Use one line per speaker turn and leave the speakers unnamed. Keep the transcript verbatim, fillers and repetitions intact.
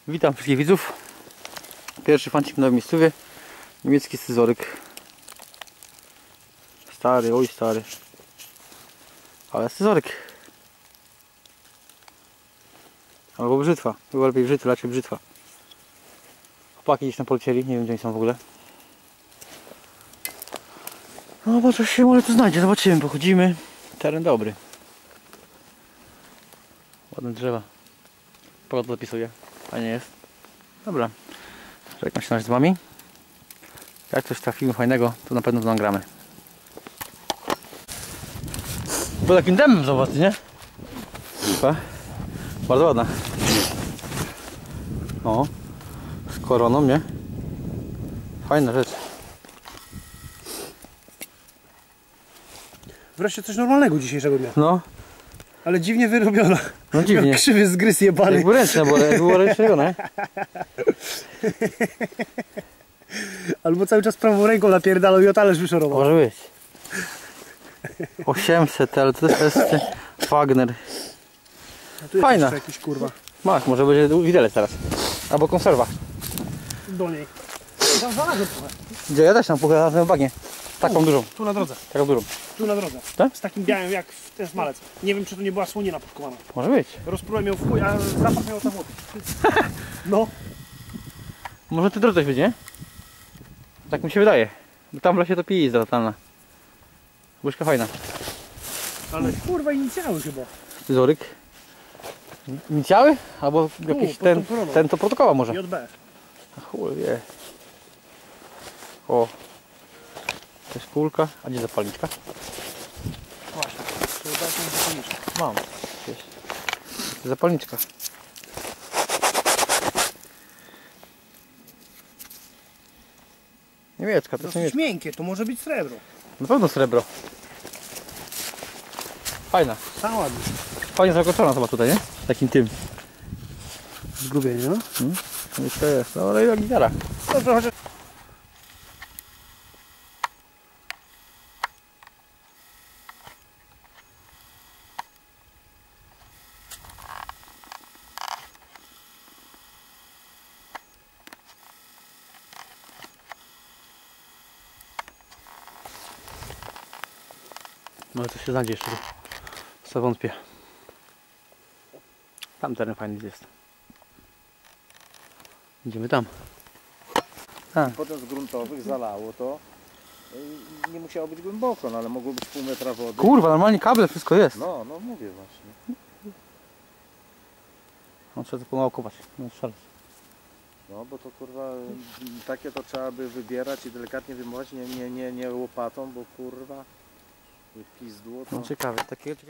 Witam wszystkich widzów. Pierwszy fancik w nowym miejscowie. Niemiecki scyzoryk. Stary, oj stary. Ale scyzoryk. Albo brzytwa. Chyba lepiej brzytwa, raczej brzytwa. Chłopaki gdzieś tam polecieli, nie wiem gdzie oni są w ogóle. No bo coś się może tu znajdzie, zobaczymy, pochodzimy. Teren dobry. Ładne drzewa. Pogoda zapisuje, a nie jest. Dobra, czekam się z wami. Jak coś trafimy fajnego, to na pewno to nagramy. Bo takim demem zobacz, nie? Chyba. Bardzo ładna. O, z koroną, nie? Fajna rzecz.
Wreszcie coś normalnego dzisiejszego dnia.
No.
Ale dziwnie wyrobiona.
No dziwnie.
Jak krzywy zgryz jebany.
Jakby ręczne, bo było ręcznie robione.
Albo cały czas prawą ręką napierdalał i o talerz wyszorował.
Może być. osiemset, ale to jest Wagner. Fajna.
Jakiś kurwa.
Masz, może będzie widelec teraz. Albo konserwa.
Do niej. Tam znalazłem trochę.
Gdzie ja też tam pokazałem bagnie. Taką
tu,
dużą.
Tu na drodze.
Taką dużą.
Tu na drodze.
Tak?
Z takim białym jak ten smalec. Nie wiem czy to nie była słonina podkowana.
Może być.
Rozprułem ją w chuj, a zapach miał tam wody. No.
Może ty drodze będzie, nie? Tak mi się wydaje. Bo tam w lesie to pizda totalna. Łyżka fajna.
Ale kurwa inicjały chyba.
Scyzoryk. Inicjały? Albo jakiś
pod
ten,
tą koroną.
ten to protokoła może.
J B.
Chuj wie. O. To jest kulka. A gdzie zapalniczka?
Właśnie. To jest taką zapalniczkę.
Mam. Jest. Zapalniczka. Niemiecka, to jest
Dosyć
niemiecka.
miękkie, to może być srebro.
Na pewno srebro. Fajna.
Sama ładnie.
Fajnie zakończona to ma tutaj, nie? Takim tym.
Zgubienie, no?
Hmm? No i to jest. No ale jak gitara.
Dobrze, chociaż...
No ale to się znajdzie jeszcze. Co wątpię. Tam teren fajny jest. Idziemy tam. A.
Potem z gruntowych zalało to. y, Nie musiało być głęboko, no ale mogło być pół metra wody.
Kurwa, normalnie kable, wszystko jest.
No, no mówię właśnie.
No trzeba to pomału kopać. No szaleć.
No bo to kurwa y, takie to trzeba by wybierać i delikatnie wyjmować, nie, nie, nie, nie łopatą, bo kurwa pizdło to.
No ciekawe, takiego